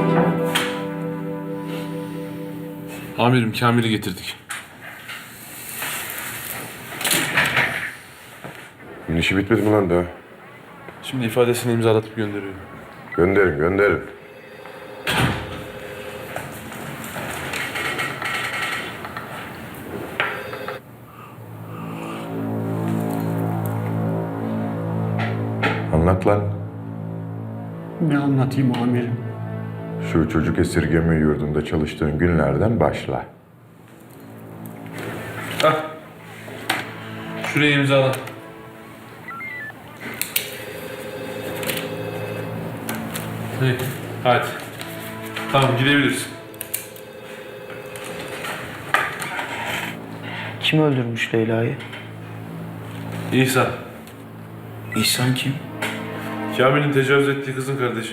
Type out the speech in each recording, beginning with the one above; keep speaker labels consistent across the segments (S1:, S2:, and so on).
S1: Amirim, Kamil'i getirdik.
S2: Bunun işi bitmedi mi lan daha?
S1: Şimdi ifadesini imzalatıp gönderiyorum.
S2: Gönderin, gönderin. Anlat lan.
S3: Ne anlatayım amirim?
S2: Şu çocuk esirgeme yurdunda çalıştığın günlerden başla.
S1: Hah. Şuraya imzala. İyi, hadi. Tamam, gidebiliriz.
S4: Kim öldürmüş Leyla'yı?
S1: İhsan,
S4: İhsan kim?
S1: Kamil'in tecavüz ettiği kızın kardeşi.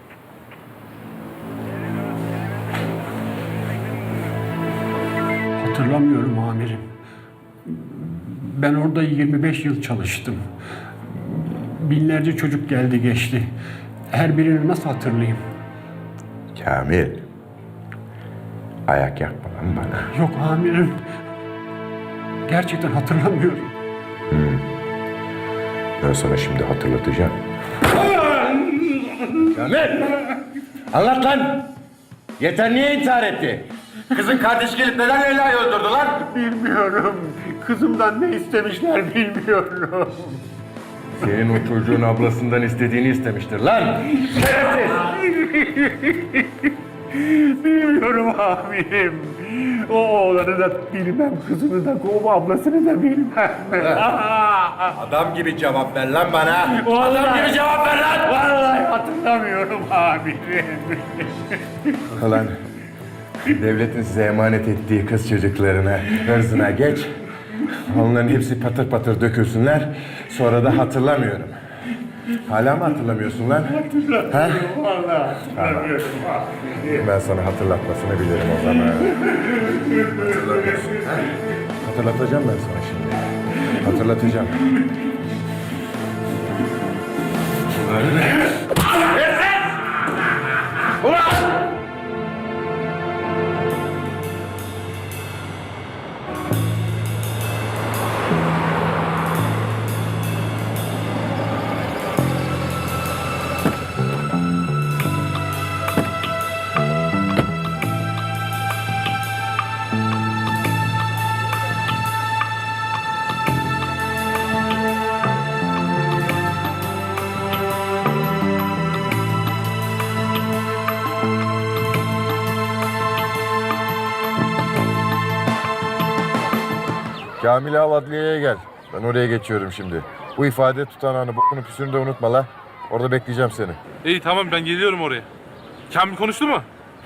S3: Hatırlamıyorum amirim. Ben orada 25 yıl çalıştım. Binlerce çocuk geldi geçti. Her birini nasıl hatırlayayım?
S2: Kamil. Ayak yakma lan bana.
S3: Yok amirim. Gerçekten hatırlamıyorum.
S2: Ben sana şimdi hatırlatacağım.
S5: Kamil! Anlat lan! Yeter niye intihar etti? Kızın kardeşi gelip neden Leyla'yı öldürdü lan?
S3: Bilmiyorum. Kızımdan ne istemişler bilmiyorum.
S5: Senin o çocuğun ablasından istediğini istemiştir lan! Şerefsiz!
S3: Bilmiyorum amirim. O oğlanı da bilmem, kızını da, o ablasını da bilmem.
S5: Adam gibi cevap ver lan bana!
S3: Vallahi-
S5: Adam gibi cevap ver lan!
S3: Vallahi hatırlamıyorum amirim.
S2: Lan devletin size emanet ettiği kız çocuklarına, hırzına geç. Onların hepsi patır patır dökülsünler. Sonra da hatırlamıyorum. Hala mı hatırlamıyorsun lan? Ha?
S3: Vallahi hatırlamıyorum amirim.
S2: Ben sana hatırlatmasını bilirim o zaman. Hatırlamıyorsun. Ha? Hatırlatacağım ben sana şimdi. Hatırlatacağım. Kamil'i al adliyeye gel. Ben oraya geçiyorum şimdi. Bu ifade tutanağını, bokunu püsünü de unutma la. Orada bekleyeceğim seni.
S1: İyi, tamam, ben geliyorum oraya. Kamil konuştu mu?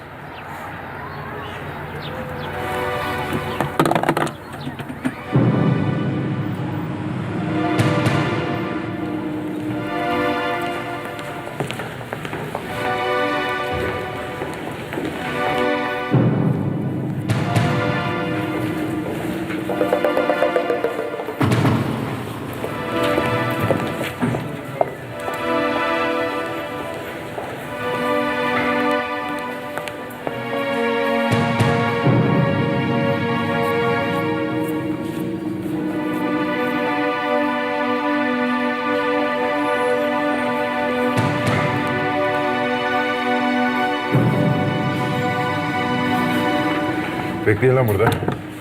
S2: Bekleyin lan burada.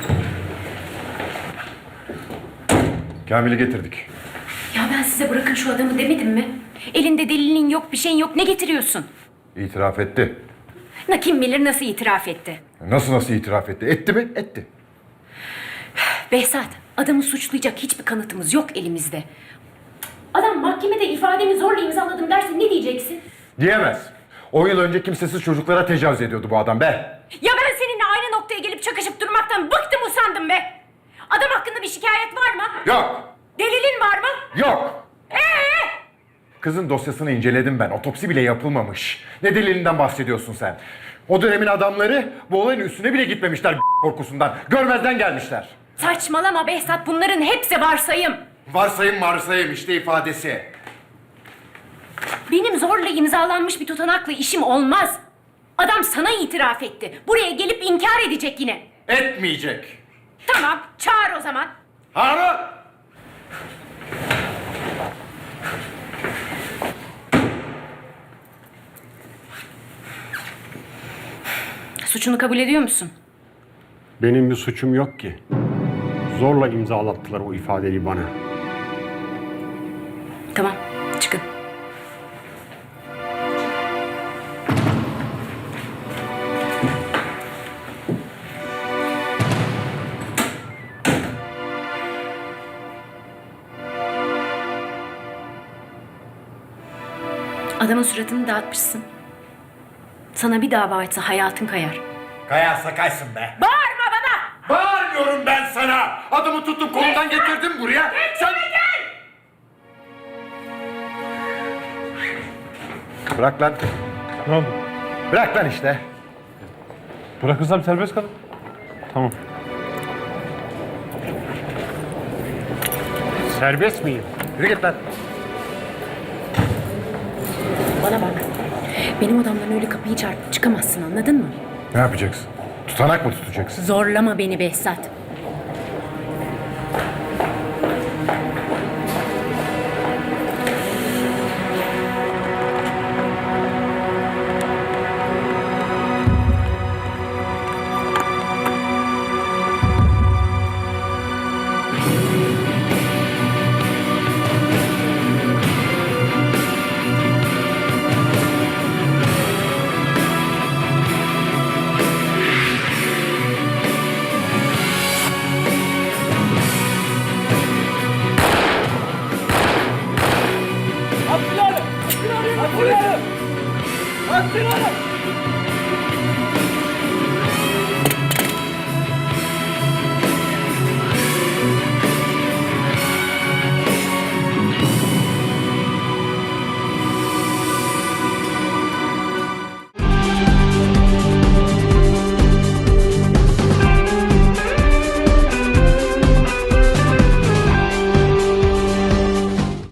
S2: Kamil'i getirdik.
S6: Ya ben size bırakın şu adamı demedim mi? Elinde delilin yok, bir şeyin yok. Ne getiriyorsun?
S2: İtiraf etti.
S6: Kim bilir nasıl itiraf etti?
S2: Nasıl itiraf etti? Etti mi? Etti.
S6: Behzat, adamı suçlayacak hiçbir kanıtımız yok elimizde. Adam mahkemede ifademi zorla imzaladım derse ne diyeceksin?
S2: Diyemez. 10 yıl önce kimsesiz çocuklara tecavüz ediyordu bu adam be.
S6: Ya ben seninle aynı noktaya gelip çakışıp durmaktan bıktım usandım be. Adam hakkında bir şikayet var mı?
S2: Yok.
S6: Delilin var mı?
S2: Yok. Kızın dosyasını inceledim ben. Otopsi bile yapılmamış. Ne delilinden bahsediyorsun sen? O dönemin adamları bu olayın üstüne bile gitmemişler korkusundan. Görmezden gelmişler.
S6: Saçmalama Behzat, bunların hepsi varsayım.
S2: Varsayım işte ifadesi.
S6: Benim zorla imzalanmış bir tutanakla işim olmaz. Adam sana itiraf etti. Buraya gelip inkar edecek yine.
S5: Etmeyecek.
S6: Tamam, çağır o zaman.
S5: Harun!
S6: Suçunu kabul ediyor musun?
S3: Benim bir suçum yok ki. Zorla imzalattılar o ifadeyi bana.
S6: Tamam, çıkın. Adamın suratını dağıtmışsın. Sana bir dava açsa hayatın kayar.
S5: Kayarsa kaysın be.
S6: Bağırma bana!
S5: Bağırmıyorum ben sana. Adımı tuttum kolundan getirdim buraya. Sen...
S2: Bırak lan.
S1: Ne oldu?
S2: Bırak lan işte.
S1: Bırakırsam serbest kalın. Tamam.
S3: Serbest miyim?
S2: Yürü git lan.
S6: Bana bak. Benim odamdan öyle kapıyı çarpıp çıkamazsın, anladın mı?
S2: Ne yapacaksın? Tutanak mı tutacaksın?
S6: Zorlama beni Behzat.
S7: Attıralım! Attıralım! Attıralım!